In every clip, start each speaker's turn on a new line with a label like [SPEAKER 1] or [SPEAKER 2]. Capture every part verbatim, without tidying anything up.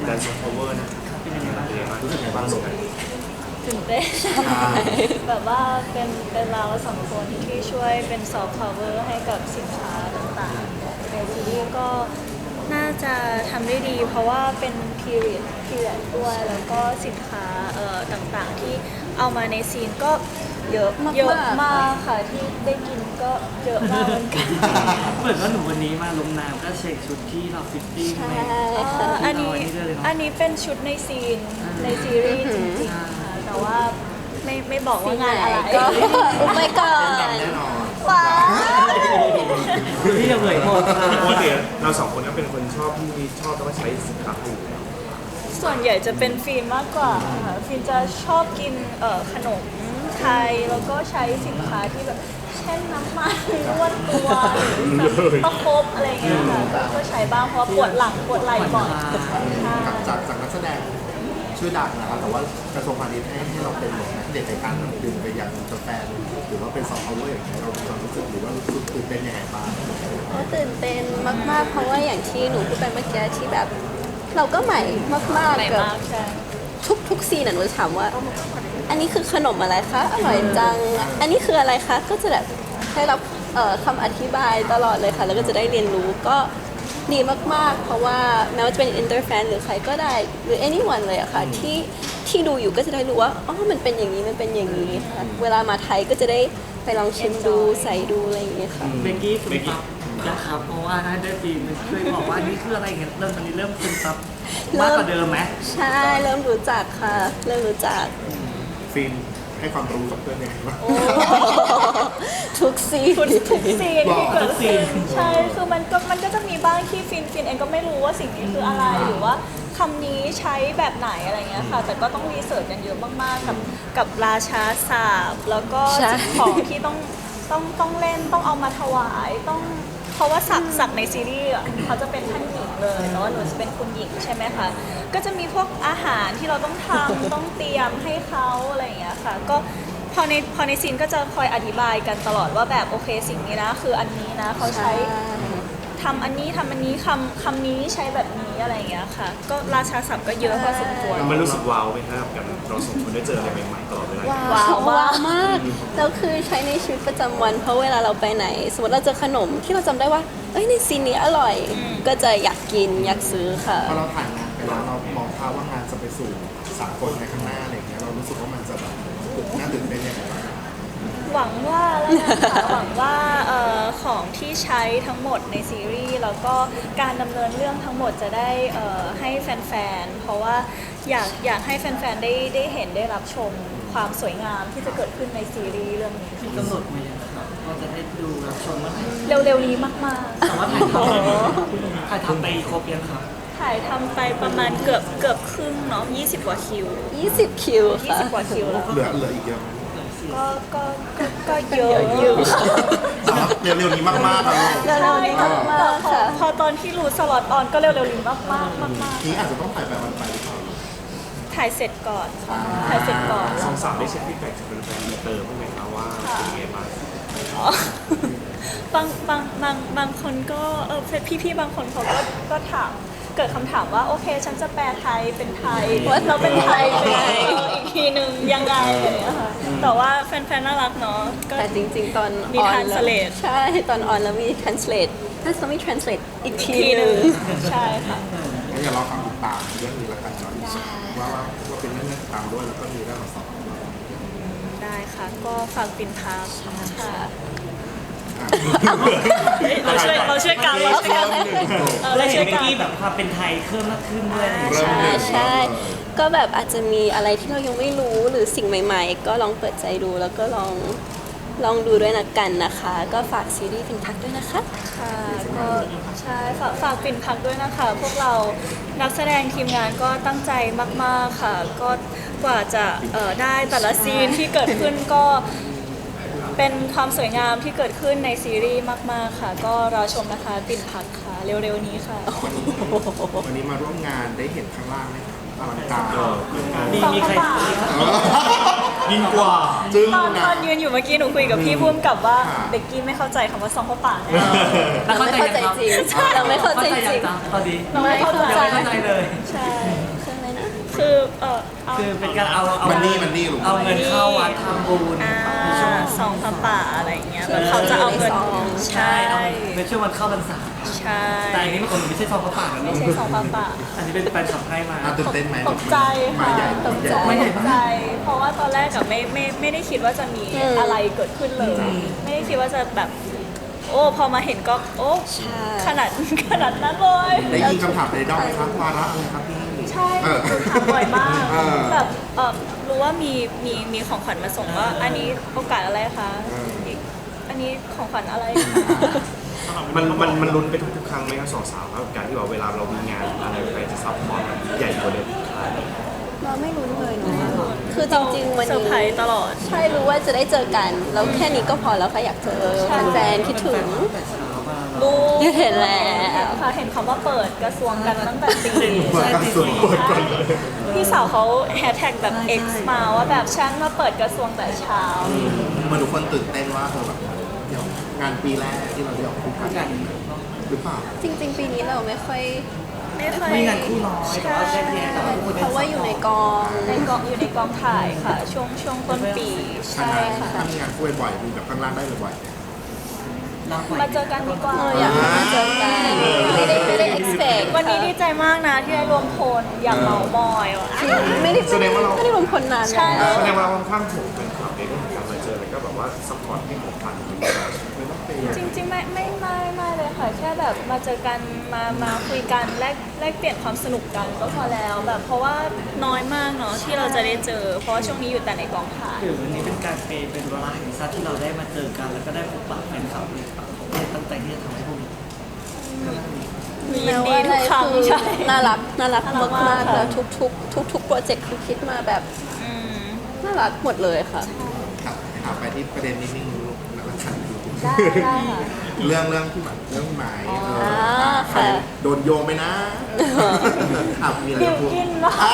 [SPEAKER 1] แดนซ์คอเวอร์นะเป็นยังไงบ้างรู้สึกไงบ้างลูก
[SPEAKER 2] ตื่นเต้นแบบว่าเป็นเป็นเราสองคนที่ช่วยเป็นซอฟต์พาวเวอร์ให้กับสินค้าต่างๆในซีรีส์ก็น่าจะทำได้ดี เพราะว่าเป็น period period ด้วยแล้วก็สินค้าเอ่อต่างๆที่เอามาในซีนก็เยอะเยอะมากค่ะที่ได้กินก็เยอะมากเหมือนกัน
[SPEAKER 3] เหมือนว่าหนูวันนี้มาลงน้ำก็เช็คชุดที่เราฟิตติ้ง
[SPEAKER 4] ใช่
[SPEAKER 3] ใน
[SPEAKER 4] ค่ะ
[SPEAKER 2] อันนี้อันนี้เป็นชุดในซีนในซีรีส์จริงๆค่ะแต่ว่าไม่ไม่บอกว่างานอะไร
[SPEAKER 4] ก็อุบไปก่อน
[SPEAKER 1] แน่นอน
[SPEAKER 2] ว้าว
[SPEAKER 3] พี่จะเผยหมดค่ะ
[SPEAKER 1] ปกติเราสองคนก็เป็นคนชอบที่ชอบแล้วก็ใช้สินค้าถูก
[SPEAKER 2] ส่วนใหญ่จะเป็นฟิล์มมากกว่าค่ะฟิล์มจะชอบกินเอ่อขนมไทยแล้วก็ใช้สินค้าที่แบบเช่นน้ำมันนวดตัวหรือแบบประคบอะไรอย่างเงี้ยค่ะก็ใช้บ้างเพราะปวดหลังปวดไหล่บ่อยใช่
[SPEAKER 5] จากจากนักแสดงชื่อดังนะครับแต่ว่ากระทรวงพาณิชย์ให้ให้เราเป็นนักเด็กในการดึงไปยังแฟนหรือว่าเป็นซอฟต์พาวเวอร์อย่างไรเรามีความรู้สึกหรือว่ารู้สึกตื่นเต้นยังไงบ้าง
[SPEAKER 4] ก็ตื่นเต้นมากๆ เพราะว่าอย่างที่หนูพูดไปเมื่อกี้ที่แบบ เราก็ใหม่มาก
[SPEAKER 2] ใหม่
[SPEAKER 4] ๆกับ
[SPEAKER 2] มากใช่
[SPEAKER 4] ทุกทุกซีนอ่ะหนูจะถามว่า อันนี้คือขนมอะไรคะอร่อยจัง อันนี้คืออะไรคะก็จะแบบได้รับเอ่อคำอธิบายตลอดเลยค่ะ แล้วก็จะได้เรียนรู้ก็ดีมากๆ เพราะว่าแม้ว่าจะเป็นอินเตอร์แฟนหรือใครก็ได้หรือ anyone เลยอะค่ะที่ที่ดูอยู่ก็จะได้รู้ว่าอ๋อมันเป็นอย่างนี้มันเป็นอย่างนี้ค่ะเวลามาไทยก็จะได้ไปลองชิมดูใส่ดูอะไรอย่างเงี้ยค่ะ
[SPEAKER 3] เบกกี้คุณปั๊บนะครับเพราะว่าถ้าได้ปีมันช่วยบอกว่านี่คืออะไรเงี้ยเริ่มตอนนี้เริ่มคุณปั๊บมากกว่าเดิมไหม
[SPEAKER 4] ใช่เริ่มรู้จักค่ะเริ่มรู้จัก
[SPEAKER 5] ฟิล์มให้ความรู้กับเพื่อนยังไงบ้าง
[SPEAKER 4] ทุกซีน
[SPEAKER 2] ทุกทุกซีนที่เกิด
[SPEAKER 3] ทุกซี
[SPEAKER 2] ขึ้
[SPEAKER 3] น
[SPEAKER 2] นใช่คือมันก็มันก็จะมีบ้างที่ฟินฟินเองก็ไม่รู้ว่าสิ่งนี้คืออะไรหรือว่าคำนี้ใช้แบบไหนอะไรเงี้ยค่ะ แต่ก็ต้องรีเสิร์ชกันเยอะมากๆกับกับราชาศาสตร์แล้วก็
[SPEAKER 4] ใช่
[SPEAKER 2] สิ่งของที่ต้องต้องต้องเล่นต้องเอามาถวายต้องเพราะว่าสักสักในซีรีส์อะเขาจะเป็นท่านหญิงเลยแต่ว่าหนูจะเป็นคุณหญิงใช่ไหมคะก็จะมีพวกอาหารที่เราต้องทำ ต้องเตรียมให้เขาอะไรอย่างเงี้ยค่ะก็พอในพอในซีนก็จะคอยอธิบายกันตลอดว่าแบบโอเคสิ่งนี้นะคืออันนี้นะเขาใช้ทำอันนี้ทำอันนี้คำคำนี้ใช้แบบนี้อะไรอย่างเงี้ยค่ะ ก็ราชาศัพท์ก็เยอะพอสมควร
[SPEAKER 1] มันรู้สึกว้าวไหมครับกับเราสองคนได้เจออะไรใหม่ๆตลอดเวลา
[SPEAKER 4] ว้าว
[SPEAKER 2] ว้าว
[SPEAKER 4] ว้าวมากแล้วคือใช้ในชีวิตประจำวัน เพราะเวลาเราไปไหน สมมติเราเจอขนมที่เราจำได้ว่าเอ้ยในซีนนี้อร่อย ก็จะอยากกินอยากซื้อค่ะ
[SPEAKER 5] พอเราถ่ายงานไปแล้วเรามองภาพว่างานจะไปสู่สากลในข้างหน้าอะไรอย่างเงี้ยเรารู้สึกว่ามันจะแบบน่าตื่นเต้นยังไงบ้าง
[SPEAKER 2] หวังว่าแล้วนะคะหวังว่าเอ่อของที่ใช้ทั้งหมดในซีรีส์แล้วก็การดำเนินเรื่องทั้งหมดจะได้เอ่อให้แฟนๆ เพราะว่าอยากอยากให้แฟนๆ ได้ได้เห็นได้รับชมความสวยงามที่จะเกิดขึ้นในซีรีส์เรื่องนี้
[SPEAKER 3] มีกำหนดมายังครับว่าจะได้ดูรับชมเมื่อไหร่
[SPEAKER 2] เร็วๆนี้มากๆ
[SPEAKER 3] แต่ว่าถ่ายทำถ่ายทำไปครบยังครับ
[SPEAKER 2] ถ่ายทำไปประมาณเกือบเกือบครึ่งเนาะยี่สิบกว่าคิว
[SPEAKER 4] ยี่สิบ คิวค่ะ
[SPEAKER 2] ยี่สิบกว่าคิวแล้ว
[SPEAKER 5] เหลือเหลืออีกเยอะไหม
[SPEAKER 2] ก็ก็ก็ก็เยอะ
[SPEAKER 4] เยอะอยู่
[SPEAKER 5] แต่ว่าเร็วๆนี้มากๆครับ
[SPEAKER 4] เร็วๆนี้มากๆค่ะ
[SPEAKER 2] พอตอนที่รู้สล็อตออนก็เร็วๆนี้มากมากมากมาก
[SPEAKER 5] นี้อาจจะต้องถ่ายแบบวันไปหรือเปล่า
[SPEAKER 2] ถ่ายเสร็จก่อนค่ะถ่ายเสร็จก่อน
[SPEAKER 1] สองสาวได้เช็คฟีดแบ็กจากแฟนๆเติมบ้างไหมครับว่าเป็นยังไงบ้าง
[SPEAKER 2] อ๋อบางบางบางบางคนก็เออพี่พี่ๆบางคนเขาก็ก็ถามเกิดคำถามว่าโอเคฉันจะแปลไทยเป็นไทยว่าเราเป็นไทยเป็นไงอีกทีหนึ่งยังไงอย่างเงี้ยค่ะแต่ว่าแฟนๆน่ารักเนาะก็
[SPEAKER 4] แต่จริงๆ ตอน
[SPEAKER 2] มี
[SPEAKER 4] ออน
[SPEAKER 2] translate
[SPEAKER 4] ใช่ ตอนออนแล้วมี translate ถ้าจะมี translate อีกที
[SPEAKER 2] ที
[SPEAKER 4] ห
[SPEAKER 2] ห
[SPEAKER 4] นึ่
[SPEAKER 2] นึ่
[SPEAKER 4] ง
[SPEAKER 2] งใช่ค่ะ
[SPEAKER 5] งั้นอย่ารอฟังติดตามเรื่องนี้ละกันเนาะว่าว่าว่าเป็นเรื่องน่าติดตามด้วยแล้วก็มีเรื่องมาสอบ
[SPEAKER 2] ได้ค่ะก็ฝากปินพาร์คค่ะ
[SPEAKER 5] อ่ะ
[SPEAKER 2] เราช่วยเราช่วยกันเราช่วยกันเออ
[SPEAKER 3] แล้
[SPEAKER 2] เรา
[SPEAKER 3] วเห็
[SPEAKER 2] ช่วน ย
[SPEAKER 3] เบก
[SPEAKER 2] กัน
[SPEAKER 3] กี้แบบความเป็นไทยเพิ่มมากขึ้นด้วย
[SPEAKER 5] เริ่ม
[SPEAKER 4] ใช่
[SPEAKER 5] เลย
[SPEAKER 4] ใช่ ก็แบบอาจจะมีอะไรที่เรายังไม่รู้หรือสิ่งใหม่ๆ ก็ลองเปิดใจดูแล้วก็ลองลองดูด้วยนะกันนะคะ ก็ฝากซีรีส์ฟินพักด้วยนะคะ
[SPEAKER 2] ค่ะก็ใช่ฝากฝากปิ่นพักด้วยนะคะ พวกเรานักแสดงทีมงานก็ตั้งใจมากๆค่ะ ก็กว่าจะเอ่อได้แต่ละซีนที่เกิดขึ้นก็เป็นความสวยงามที่เกิดขึ้นในซีรีส์มากๆค่ะ ก็รอชมนะคะปิ่นพักค่ะ เร็วๆนี้ค่ะ
[SPEAKER 5] วันนี้วันนี้มาร่วมงานได้เห็นข้างล่างไหมอลังการ
[SPEAKER 3] มีมีใคร
[SPEAKER 1] ยิ่งกว่า
[SPEAKER 5] จึ้ง
[SPEAKER 2] ตอน
[SPEAKER 5] นะ
[SPEAKER 2] ตอนยืนอยู่เมื่อกี้หนูคุยกับพี่พุ่มกับว่า
[SPEAKER 5] ค่ะ
[SPEAKER 2] เบกกี้ไม่เข้าใจคำว่าซองเข้าปากแน่
[SPEAKER 3] แล้ว
[SPEAKER 4] เรา
[SPEAKER 3] เข้า
[SPEAKER 4] ไม่
[SPEAKER 3] ใจ
[SPEAKER 4] เข้าใจ
[SPEAKER 3] ยังครับ
[SPEAKER 4] จริงเราไม่เข้าใจจริง
[SPEAKER 3] พอดี
[SPEAKER 2] เราไม่เข้าใจ
[SPEAKER 3] ยังไม่เข้าใจเลย
[SPEAKER 2] ใช่ออเอา
[SPEAKER 3] คือเป็นการเอาเอา
[SPEAKER 5] มันนี่มันนี่ลูก
[SPEAKER 3] เอาเงินเข้าวัดทำบุญ
[SPEAKER 2] อ่า
[SPEAKER 3] ในช่วง
[SPEAKER 2] ซองพระป่าอะไรอย่างเงี้ย
[SPEAKER 4] ที่
[SPEAKER 2] เขาจะเอาเงิน
[SPEAKER 4] ในซอง
[SPEAKER 2] ใช่
[SPEAKER 3] เอาในช่วงวันเข้าพรรษา
[SPEAKER 2] ใช่
[SPEAKER 3] แต่อันนี้มันคนไม่ใช่ซองพระป่านะลู
[SPEAKER 2] ไม่
[SPEAKER 3] ก
[SPEAKER 2] ใช่ซองพระป่า
[SPEAKER 3] อันนี้เป็นแฟนคลับให้มา
[SPEAKER 5] อ่ะตื่นเต้นไหม
[SPEAKER 2] ตกใจ
[SPEAKER 5] มา
[SPEAKER 2] ค่ะ
[SPEAKER 5] ใหญ่
[SPEAKER 2] ตกใจ
[SPEAKER 3] ไม่ใหญ่
[SPEAKER 2] ต
[SPEAKER 3] มาก
[SPEAKER 2] กใจ เพราะว่าตอนแรกอะไม่ไม่ไม่ได้คิดว่าจะมี
[SPEAKER 4] อืม
[SPEAKER 2] อะไรเกิดขึ้นเลย ไม่ได้คิดว่าจะแบบ โอ้พอมาเห็นก็โอ้
[SPEAKER 4] ใช่
[SPEAKER 2] ขนาดขนาดนั้นเลย
[SPEAKER 5] ได้ยินคำถามในดอมไหมครับวาระอะไรครับพี่
[SPEAKER 2] ใช่
[SPEAKER 5] เออ
[SPEAKER 2] ถามบ่อยมาก
[SPEAKER 5] เออ
[SPEAKER 2] แบบเออรู้ว่ามีมีมีของขวัญมาส่งว่า อันนี้โอกาสอะไรคะ
[SPEAKER 5] เอออี
[SPEAKER 2] กอันนี้ของขวัญอะไร
[SPEAKER 1] มันมันมันลุ้นไปทุกๆครั้งไหมครับสองสาวครับการที่ว่าเวลาเรามีงานอะไรไปจะซัพพอร์ตใหญ่กว่าเดิม
[SPEAKER 4] เราไม่รู้เลยเนาะคือจริงๆวัน
[SPEAKER 2] เซอร์
[SPEAKER 4] นี้
[SPEAKER 2] ไพรส์ตลอด
[SPEAKER 4] ใช่รู้ว่าจะได้เจอกัน แล้วแค่นี้ก็พอแล้วค่ะอยากเจอ
[SPEAKER 2] ใช่
[SPEAKER 4] แฟนๆคิดถึง
[SPEAKER 3] แต่เช้ามา
[SPEAKER 2] รู้
[SPEAKER 4] เห็นแล้ว
[SPEAKER 2] ค่ะเห็นคำว่าเปิดกระทรวงกันตั้งแต่ตี
[SPEAKER 5] เปิดกระทรวงเปิดก่อนเลย
[SPEAKER 2] พี่สาวเขาแฮชแท็กแบบ X มาว่าแบบฉันมาเปิดกระทรวงแต่เช้า
[SPEAKER 5] เหมาทุกคนตื่นเต้นว่าเออแบบเดี๋ยวงานปีแรกที่เราได้ออกคู่กันหรือเปล่า
[SPEAKER 4] จริงๆ ปีนี้เราไม่ค่อย
[SPEAKER 2] ไม่เคย
[SPEAKER 3] มีงานคู่น้อยแต่ว่าแค่เพียงแต่ว่าคู่
[SPEAKER 4] เพราะว่าอยู่ในกอง
[SPEAKER 2] ในกองอยู่ในกองถ่ายค่ะ ช่วงช่วงต้นปี
[SPEAKER 5] ถ้า
[SPEAKER 2] ใช่
[SPEAKER 5] งาน
[SPEAKER 2] ค่ะ
[SPEAKER 5] ถ้ามีงานคู่บ่อยๆมีแบบข้างล่างได้บ่อย
[SPEAKER 2] มาเจอกันดีกว่า
[SPEAKER 4] เอออยากให้มาเจอกันไม่ได้ไม่ได้ expect
[SPEAKER 2] วันนี้ดีใจมากนะที่ได้รวมพลอยากเมามอยว่ะ
[SPEAKER 4] จริงไม่ได้ไม่ได้รวมคนนาน
[SPEAKER 2] ใช่
[SPEAKER 4] แล้ว
[SPEAKER 1] แสดงว่าเราค่อนข้างถูกเป็นข่าวในเรื่องของการมาเจอแล้วก็แบบว่าซัพพอร์ตให้ของขวัญไม่ต้องเป็น
[SPEAKER 2] จริงๆไม่ไม่ไม่ไม่เลยค่ะ แค่แบบมาเจอกันมามาคุยกันแลกแลกเปลี่ยนความสนุกกันก็พอแล้วแบบเพราะว่าน้อยมากเนาะที่เราจะได้เจอ เพราะว่าช่วงนี้อยู่แต่ในกองถ่าย
[SPEAKER 3] คือวันนี้เป็นการเปย์เป็นเวลาแห่งชาติที่เราได้มาเจอกัน แล้วก็ได้พบปะแฟนคลับในต่างประเทศตั้งใจที่จะทำให้พวกนี้
[SPEAKER 2] ยินดีทุกครั้งใช่
[SPEAKER 4] น่ารักน่ารัก
[SPEAKER 2] น่ารักมาม
[SPEAKER 4] าก ก
[SPEAKER 2] ค่ะ
[SPEAKER 4] ๆแล้วทุกทุกทุกทุกๆโปรเจกต์คือคิดมาแบบ
[SPEAKER 2] อืม
[SPEAKER 4] น่ารักหมดเลยค่ะ
[SPEAKER 5] ๆครับถามไปที่ประเด็นนิดนึงลูกนักขัน
[SPEAKER 2] ได้ได้ค่ะ
[SPEAKER 5] เรื่องเรื่องพี่หมายเรื่องพี่หมายเออ
[SPEAKER 4] อ่าค่ะ
[SPEAKER 5] โดนโยงไปนะอ่ะมีอะไร
[SPEAKER 2] บิว
[SPEAKER 5] จะพูด
[SPEAKER 2] กินเนาะ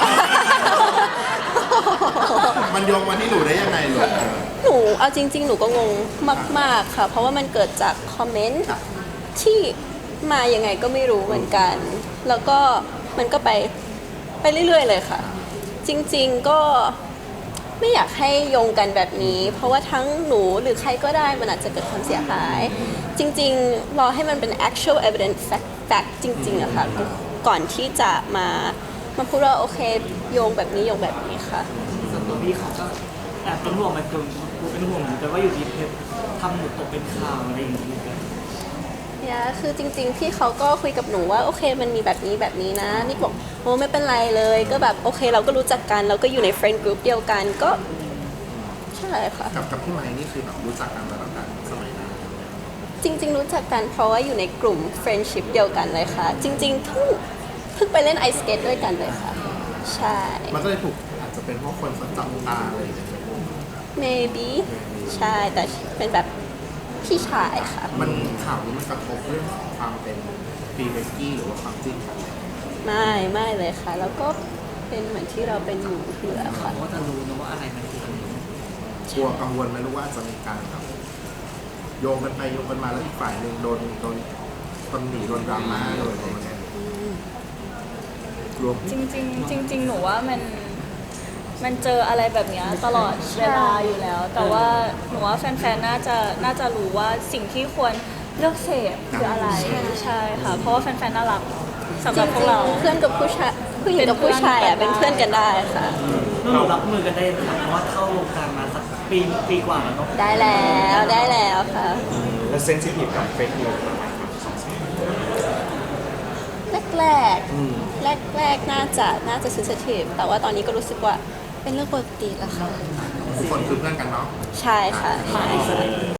[SPEAKER 5] มันโยงมาที่หนูได้ยังไงลูก
[SPEAKER 4] หนูเอาจริง ๆ หนูก็งงมาก ๆ ค่ะ เพราะว่ามันเกิดจากคอมเมนต์ที่มายังไงก็ไม่รู้เหมือนกัน แล้วก็มันก็ไปไปเรื่อย ๆ เลยค่ะ จริง ๆ ก็ไม่อยากให้โยงกันแบบนี้ เพราะว่าทั้งหนูหรือใครก็ได้มันอาจจะเกิดความเสียหาย จริง ๆ รอให้มันเป็น actual evidence fact fact จริง ๆอะค่ะ ก่อนที่จะมามาพูดว่าโอเคโยงแบบนี้โยงแบบนี้ค่ะ
[SPEAKER 3] ส่วนตัวพี่เขาก็แอบเป็นห่วงมันคือเป็นห่วงเหมือนกันว่าอยู่ดีเพชรทำหนูตกเป็นข่าวอะไรอย่างเงี้ย
[SPEAKER 4] เนี่ยคือจริงๆ พี่เขาก็คุยกับหนูว่าโอเคมันมีแบบนี้แบบนี้นะนี่บอกโอ้ไม่เป็นไรเลย ก็แบบโอเคเราก็รู้จักกันเราก็อยู่ในเฟรนด์กรุ๊ปเดียวกันก็ใช่ค่ะ
[SPEAKER 5] กับกับพี่ไม้นี่คือแบบรู้จักกันมาตั้งแต่สมัยนั้น
[SPEAKER 4] จริง ๆ รู้จักกันเพราะว่าอยู่ในกลุ่มเฟรนด์ชิพเดียวกันเลยค่ะ จริงๆเพิ่งเพิ่งไปเล่นไอสเกตด้วยกันเลยค่ะ ใช่
[SPEAKER 5] มันก็เลยถูกอาจจะเป็นเพราะคนเขาจับตาอะไรอย่างเงี้ย
[SPEAKER 4] maybe ใช่แต่เป็นแบบพี่ชายค่ะ
[SPEAKER 5] มันข่าวนี้มันกระทบเรื่องของความเป็นฟีเบกกี้หรือว่าความจริงกัน
[SPEAKER 4] ไม่ไม่เลยค่ะ แล้วก็เป็นเหมือนที่เราเป็นอยู่อยู่แล้วค่ะ
[SPEAKER 3] ว่าจะรู้นะว่าอะไรมันคืออะไร
[SPEAKER 5] กลัวกังวลไหมรู้ว่าจะมีการแบบโยงกันไปโยงกันมาแล้วอีกฝ่ายหนึ่งโดนโดนตำหนิโดนดราม่าโดนอะไรอย่างเงี้ยรวม
[SPEAKER 2] จริงๆจริง ๆ หนูว่ามันมันเจออะไรแบบเนี้ยตลอดเวลาอยู่แล้ว แต่ว่าหนูว่าแฟนๆ น่าจะน่าจะรู้ว่าสิ่งที่ควรเลือกเสพคืออะไรใช่ค่ะ เพราะว่าแฟนๆ น่ารักสำห
[SPEAKER 4] จ
[SPEAKER 2] รับพวกเรา
[SPEAKER 4] ริงๆเพื่อนกับผู้ชายผู้หญิงกับผู้ชายอ่ะเป็นเพื่อนกันได้ค่ะ
[SPEAKER 3] แล้วหนูรับมือกันได้ไหมเพราะว่าเข้าวงการมาสักปีปีกว่าแล้วเนาะ
[SPEAKER 4] ได้แล้วได้แล้วค่ะ
[SPEAKER 1] และเซนซิทีฟกับเฟกนิวส์อะไรครับสองสาว
[SPEAKER 4] แรกแรกแรกแรกๆน่าจะน่าจะ sensitive แต่ว่าตอนนี้ก็รู้สึกว่าเป็นเรื่องปกติแล้วค่ะ
[SPEAKER 5] ทุกคนคือเพื่อนกันเนาะ
[SPEAKER 4] ใช่ค่ะใช่ค่ะ